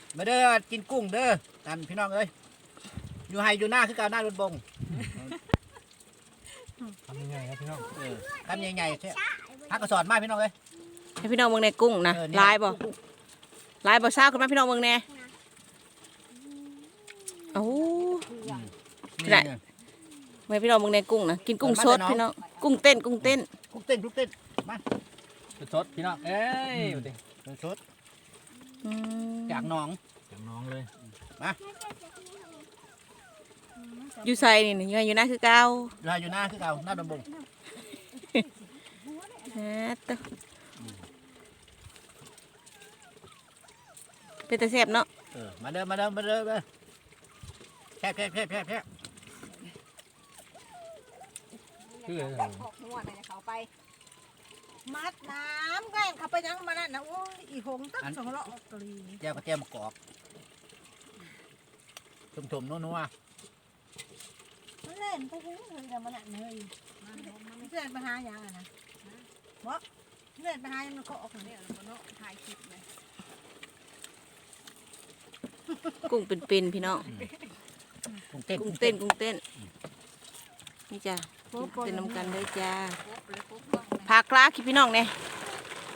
มาเด้อกินกุ้งเด้อกันพี่น้องเอ้ยอยู่ไฮอยู่หน้าคือการหน้ารถบงทำยังไงครับพี่น้องทำใหญ่ๆใช่พักกระสอนมาพี่น้องเอ้ยให้พี่น้องเมืองในกุ้งนะลายบ่ลายบ่ซ่าขึ้นมาพี่น้องเมืองแน่โอ้ได้เมื่อพี่น้องเมืองในกุ้งนะกินกุ้งสดพี่น้องกุ้งเต้นกุ้งเต้นกุ้งเต้นกุ้งเต้นมาสดพี่น้องเอ้ยดูดิกุ้งสดจากหนองจากน้องเลยอยู่ใส่นี่อยู่นะคือเก่าลายอยู่หน้าคือเก่าหน้ารถบงตัวเป็นตะแซ่บเนาะมาเด้อมาเด้อมาเด้อมาแค่คืออะไรหกหัวในเขาไปมัดน้ำแกงเขาไปยังมานั่นนะโอ้ยอีหงตั้งสองละตรีแก้วก็แก้วมะกอกชมๆนัวมันเล่นไปถึงเลยแต่มันนั่นเลยมันเล่นไปหาอย่างนะบ่เล่นไปหาอย่างมันก็ออกเนี่ยแล้วก็เนาะถ่ายคลิปเลยกุ้งเป็นๆพี่น้องๆกุ้งเต้นกุ้งเต้นกุ้งเต้นนี่จ้ะเต้นน้ำกันเลยจ้าพากลาคิดพี่น้องเนี่ย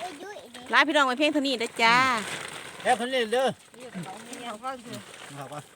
ลาพี่น้องไปเพียงเท่านี้เด้อจ้าแล้วคนเล่นเด้อเขาก็คือเขาก็